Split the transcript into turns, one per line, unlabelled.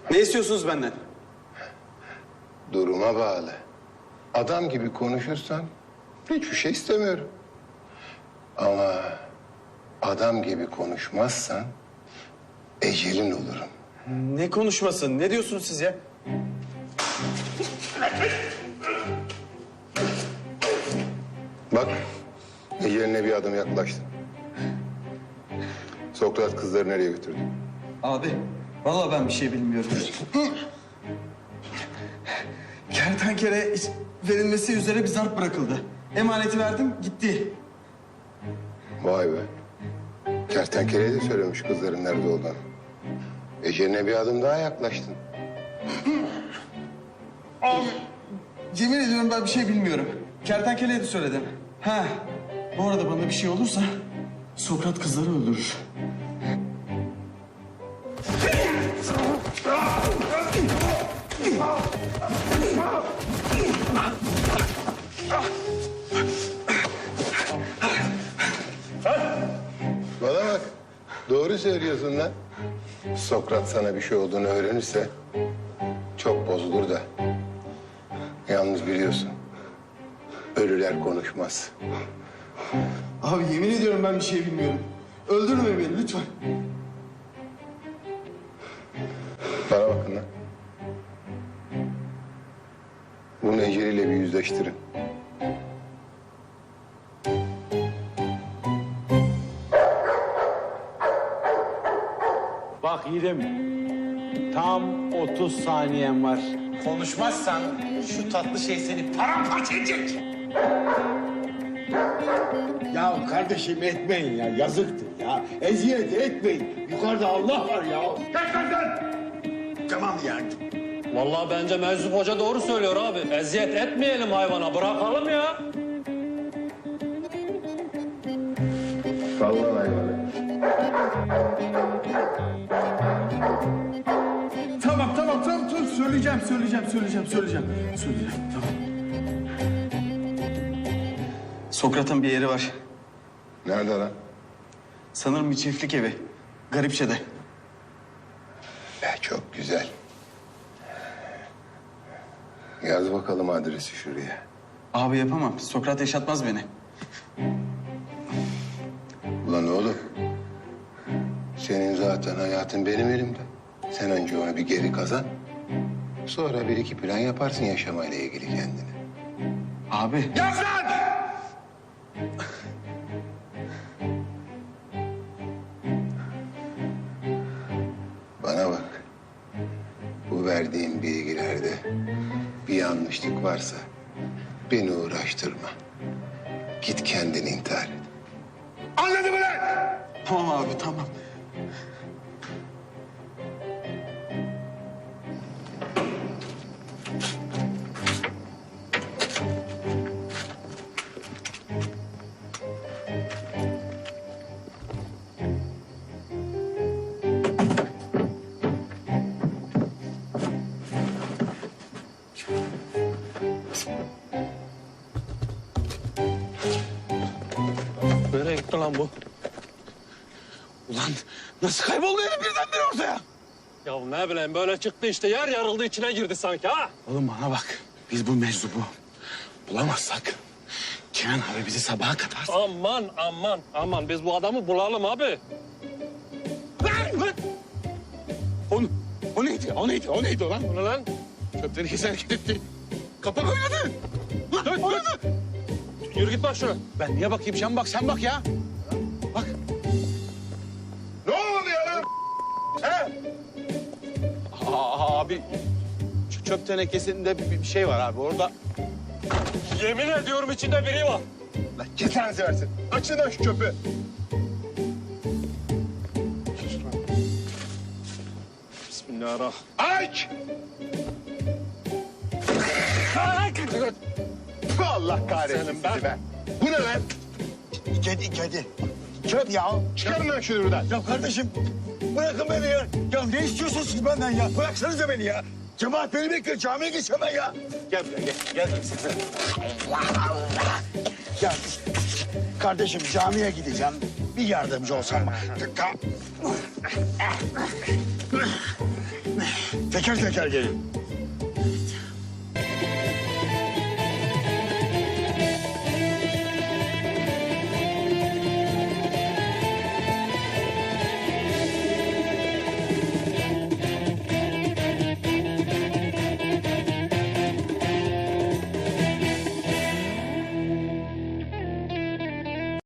Ne istiyorsunuz benden?
Duruma bağlı. Adam gibi konuşursan hiçbir şey istemiyorum. Ama adam gibi konuşmazsan ecelin olurum.
Ne konuşmasın? Ne diyorsunuz siz ya?
Bak, eceline bir adım yaklaştın. Sokrat kızları nereye götürdü?
Abi, vallahi ben bir şey bilmiyorum. Kertenkele verilmesi üzere bir zarf bırakıldı. Emaneti verdim, gitti.
Vay be. Kertenkeleye de söylemiş kızların nerede olduğunu. Eceline bir adım daha yaklaştın.
Abi, yemin ediyorum ben bir şey bilmiyorum. Kertenkeleye de söyledim. Ha, bu arada bana bir şey olursa Sokrat kızları öldürür.
Bana bak. Doğru söylüyorsun lan. Sokrat sana bir şey olduğunu öğrenirse çok bozulur da. Yalnız biliyorsun. Ölüler konuşmaz.
Abi yemin ediyorum ben bir şey bilmiyorum. Öldürme beni lütfen.
Bana bakın lan. Bunu eceliyle bir yüzleştirin.
Bak Yiğidim, tam 30 saniyen var.
Konuşmazsan şu tatlı şey seni paramparça edecek.
Ya kardeşim etmeyin ya, yazıktır ya. Eziyet etmeyin. Yukarıda Allah var ya.
Tamam ya.
Vallahi bence Meczup Hoca doğru söylüyor abi. Eziyet etmeyelim hayvana, bırakalım ya.
Sallan hayvanı.
Tamam. Söyleyeceğim. Tamam. Sokrat'ın bir yeri var.
Nerede lan?
Sanırım bir çiftlik evi. Garipçe'de.
Çok güzel. Yaz bakalım adresi şuraya.
Abi yapamam. Sokrat yaşatmaz beni.
Ulan oğlum. Senin zaten hayatın benim elimde. Sen önce onu bir geri kazan. Sonra bir iki plan yaparsın yaşamayla ilgili kendine.
Abi.
Yaz lan!
Bana bak. Bu verdiğim bilgilerde bir yanlışlık varsa beni uğraştırma. Git kendini intihar et.
Anladın mı lan?
Tamam abi tamam.
Nereye gitti lan bu?
Ulan nasıl kayboldu herif birdenbire ortaya?
Ya ne bileyim böyle çıktı işte, yer yarıldı içine girdi sanki ha.
Oğlum bana bak. Biz bu meczubu bulamazsak Kenan abi bizi sabaha kadar...
Aman biz bu adamı bulalım abi.
O neydi? O neydi lan?
Bu ne lan?
Çöpten ikisi hareket etti. Kapak oynadı. Oynadı.
Yürü git bak şuna.
Ben niye bakayım? Sen bak ya. Bak.
Ne oluyor lan?
Abi çöp tenekesinde bir şey var abi orada.
Yemin ediyorum içinde biri var.
Lan cezanızı versin. Açın lan şu çöpü.
Bismillahirrahmanirrahim.
Aç! Allah kahretsin
Senin ben.
sizi be. Bu ne lan?
Kedi. Çöp ya.
Çıkarın lan şunu buradan.
Ya kardeşim bırakın beni ya. Ya ne istiyorsunuz siz benden ya? Bıraksanıza beni ya. Cemaat beni bekliyor. Camiye geçeceğim ben ya. Gel buraya gel. Allah Allah. Ya kardeşim camiye gideceğim. Bir yardımcı olsan. Teker teker gelin.